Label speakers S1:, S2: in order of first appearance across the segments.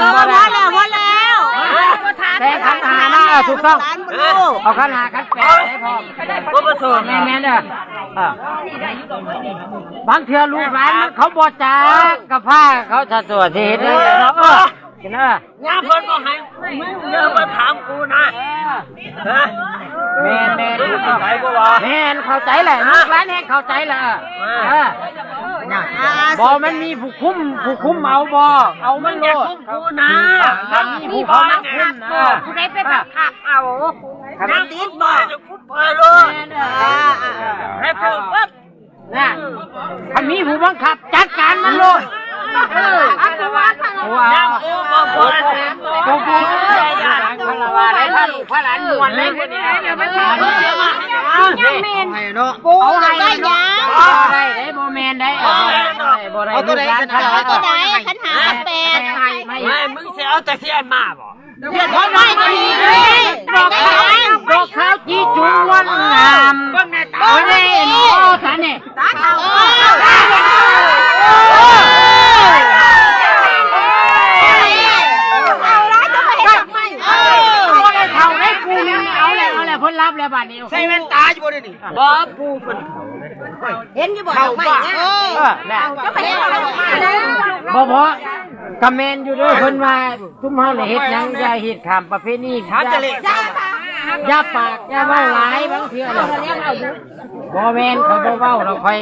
S1: พอแล้วแต่ขันหาหน้าถูกต้องเอาขันหาขันแปดได้พอก็ประสบแม่เด้อบางเทื่อลูกหลานเขาบ่จ้ากับผ้าเขาจะสวดที่เห็นเลยเนาะกินเนาะงาเพิ่นก็ให้เยอะมาถามกูนะแม่แม่เข้าใจแหละลูกหลานแห่งเข้าใจแหละบ่มันมีผู้คุ้มเอาบ่เอามันโลดกูนะมีผู้คุ้มนะผู้ใดไปบังคับเอาน้ำติดบ่จะคุ้มไปเลยให้เพิ่มปั๊บน่ะถ้ามีผู้บังคับจัดการมันโลดอัตวัดน้ำกูบ่พอกูพลาวาได้พระลูกพระหลานมวนได้คนนี้เดี๋ยวมันยังเมนกูให้ได้ยังได้โมเมนได้เอาตัวไหนขันหาแปดไม่มึงเสียเอาแต่เทียนมาบ่เทียนเขาไม่ก็ดีดอกข้าวจีจวนงามโอ้ยโอ้ตาเนี่ยตาเท่าเพิ่นรับแล้วบัดนี้ใส่แว่นตาอยู่บ่ได้นี่บ่ปูเพิ่นเห็นอยู่บ่ดอกไม้น่ะก็ไปเห็นดอกไม้บ่พอกะแม่นอยู่เด้อเพิ่นว่าซุมเฮาน่ะเฮ็ดหยังอย่าเฮ็ดข้ามประเพณีอย่าปากอย่าเว้าหลายบางเทื่อน่ะบ่แม่นเขาบ่เว้าเราค่อย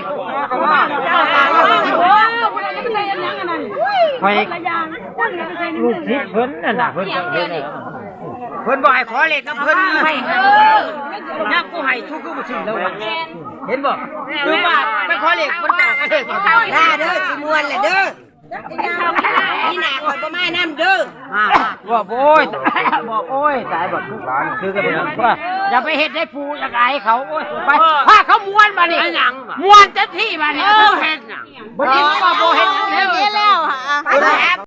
S1: ลูกศิษย์เพิ่นน่ะเพิ่นบ่ให้ขอเลขกับเพิ่นให้ยักกูให้ทุกข์กูบ่ถึงแล้วเห็นบ่ดูว่าไปขอเลขเพิ่นบอกเลขได้เด้อสิม่วนแหละเด้อนี่น่ะข่อยบ่มานำเด้อบอกโอ้ยตายบ่ทุกหลานคือกันว่าอย่าไปเฮ็ดให้ปู่อยากอายเขาโอ้ยไปพาเขาม่วนมานี่ม่วนเต็มที่มานี่เฮ็ดหยังบ่เฮ็ดหยังแล้ว